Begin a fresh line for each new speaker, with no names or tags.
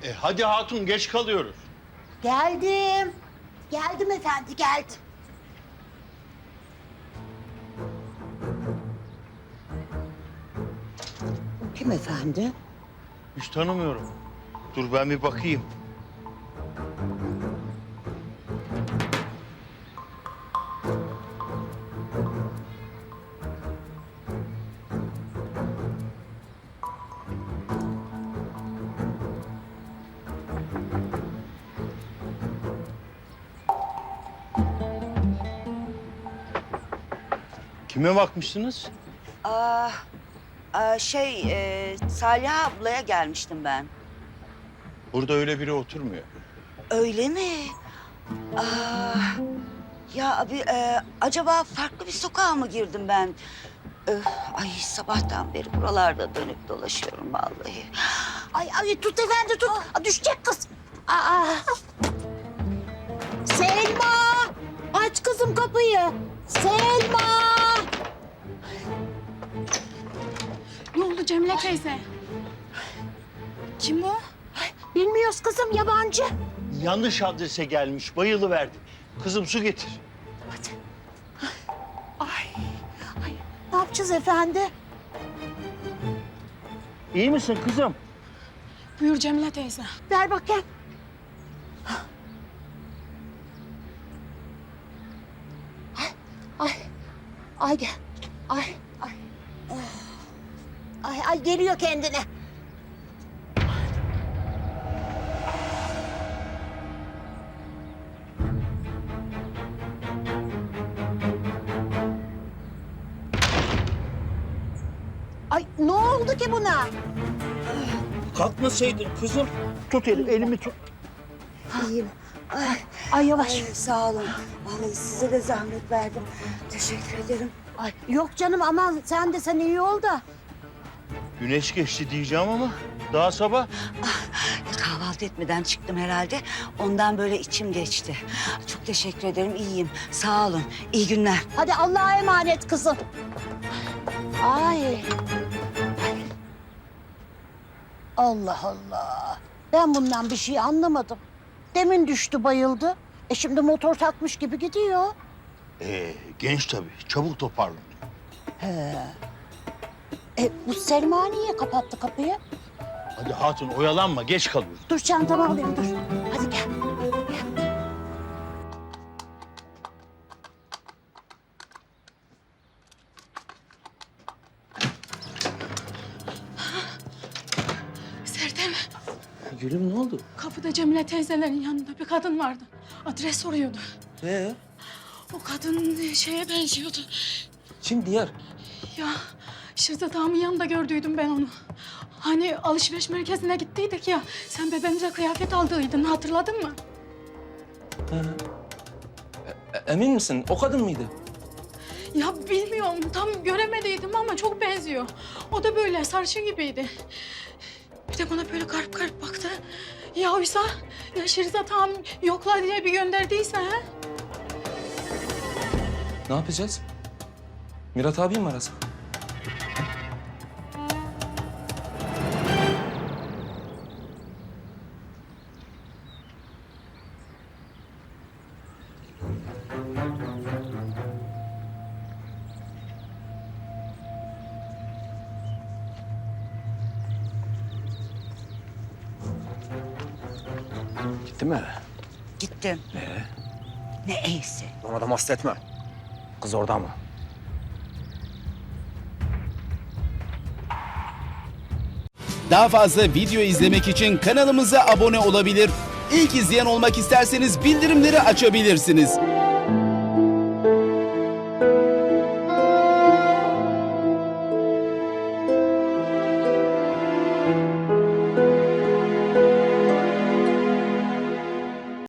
Hadi hatun, geç kalıyoruz.
Geldim. Geldim efendi, geldim. Kim efendi?
Hiç tanımıyorum. Dur ben bir bakayım. Kime bakmıştınız?
Salih ablaya gelmiştim ben.
Burada öyle biri oturmuyor.
Öyle mi? Ya abi, acaba farklı bir sokağa mı girdim ben? Ay sabahtan beri buralarda dönüp dolaşıyorum vallahi.
Ay tut efendi tut. Düşecek kız. Aa. Selma! Aç kızım kapıyı. Selma!
Ne oldu Cemile teyze? Kim o?
Bilmiyoruz kızım, yabancı.
Yanlış adrese gelmiş, bayılıverdi. Kızım su getir.
Ay, ne yapacağız efendi?
İyi misin kızım?
Buyur Cemile teyze.
Ver bakayım. Ay gel. Ay geliyor kendine. Ay ne oldu ki buna?
Kalkmasaydın kızım. Tut elimi tut.
İyiyim.
Ay yavaş.
Sağ olun. Vallahi size de zahmet verdim. Teşekkür ederim.
Ay, yok canım, aman sen iyi ol da.
Güneş geçti diyeceğim ama daha sabah.
Kahvaltı etmeden çıktım herhalde. Ondan böyle içim geçti. Çok teşekkür ederim. İyiyim. Sağ olun. İyi günler.
Hadi Allah'a emanet kızım. Ay. Allah Allah. Ben bundan bir şey anlamadım. Demin düştü, bayıldı. Şimdi motor takmış gibi gidiyor.
Genç tabii, çabuk toparlanıyor.
Bu Selma niye kapattı kapıyı?
Hadi hatun oyalanma, geç kalıyoruz.
Dur çantamı alayım, dur. Hadi gel.
Serdem,
Gülüm ne oldu?
kapıda Cemile teyzelerin yanında bir kadın vardı. Adres soruyordu. O kadın şeye benziyordu.
Kim diğer?
Ya Şirzat ağamın yanında gördüydüm ben onu. Hani alışveriş merkezine gittiydik ya. Sen bebeğimize kıyafet aldıydın, hatırladın mı?
Emin misin? O kadın mıydı?
Ya bilmiyorum, tam göremediydim ama çok benziyor. O da böyle sarışın gibiydi. Bir de bana böyle garip garip baktı. Ya oysa ya Şirzat ağam yokla diye bir gönderdiyse ha?
Ne yapacağız? Mirat abi mi arasak?
Gitti mi?
Gittim. Ne iyisi.
Ona da hasretme. Kız orada mı?
Daha fazla video izlemek için kanalımıza abone olabilir. İlk izleyen olmak isterseniz bildirimleri açabilirsiniz.